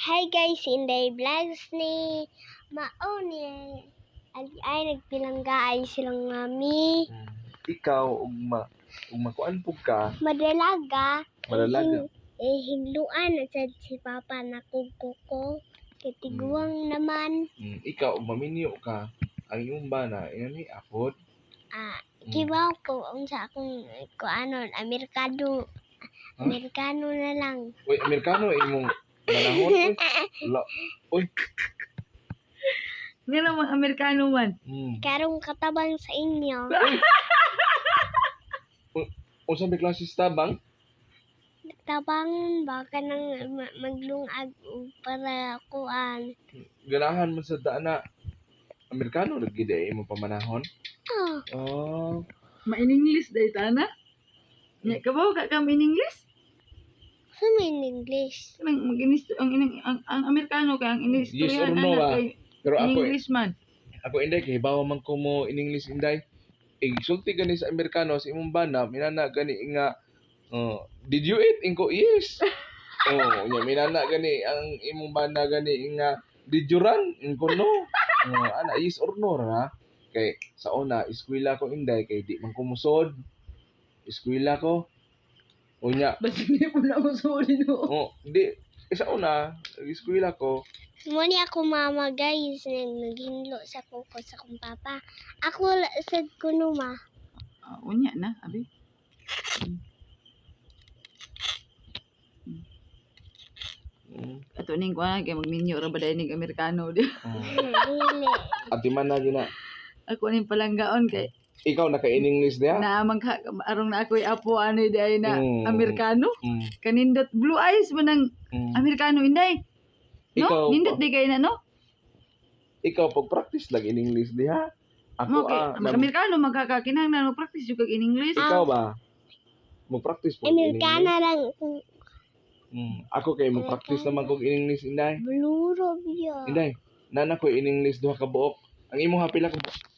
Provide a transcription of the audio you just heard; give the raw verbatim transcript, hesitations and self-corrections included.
Hi guys, Inday Vlogs ni Mao ni ay, ay nagpilangga ay silang mami. Hmm. Ikaw ug ma ug makuan pug ka, Madalaga. Madalaga. Eh, eh hinluan at sad si Papa na kuko kay tiguang naman. hmm, ikaw ug maminyo ka, ang imong bana inani apod. Ah, Hmm. kibaw ko unsa akong kuanon Amerikano. Huh? Amerikano na lang. Uy, Amerikano imong banahon uy. Wala. Uy. Nga naman, Amerikano man. Hmm. Karong katabang sa inyo. Unsa may klase sa tabang? Tabang baka nang ma- maglungag o para kuan. Ganahan man sa dana. Amerikano lagi day imong pamanahon. Oh, Oh. Ma-in-English day tana. Nya kabaw ka kam in-English? sa in English. Kanang mag-inis ang, inang ang, ang Amerikano kay ang Yes inistoryahan or no ba? kay Pero ako English man. ako inday kay bawa man ko mo in English inday. Eh sulti gani sa Amerikano sa imong bana minana gani nga oh, did you eat? Inko yes. Oh, nya minana gani ang imong bana gani nga did you run? Inko no. Oh, ana yes or no ra. Kay sa una eskwela ko inday kay di man ko musod. Eskwela ko. Unya, Basta hindi po na ako sorry no. oh, di eh, sa una eskwela ko. Muni ako mama guys, nag naghinlo sa kuko sa kong papa. Ako la- sad ko no ma. Ah, unya na, abi. Mm. Ato ning kuan kay magninyo ra baday ning Amerikano di. Oh. Dili. Ati man na gina. Ako ning palanggaon kay Ikaw naka in English dia? na magka arong na ako'y apo ano day na Mm. Amerikano. Mm. Kanindot blue eyes man ang Mm. Amerikano inday. No? Ikaw, Nindot di kay na no? ikaw pag practice lang in English diha. Ako Okay, ah, mag nam- Amerikano magkakakinahanglan mo practice jud kag in English. ikaw ba? Mo practice po in English. Amerikana lang. Mm. Ako kay mo practice naman kog in English inday. Blue Robia. Inday, nana ko in English duha ka buok. Ang imong hapila ko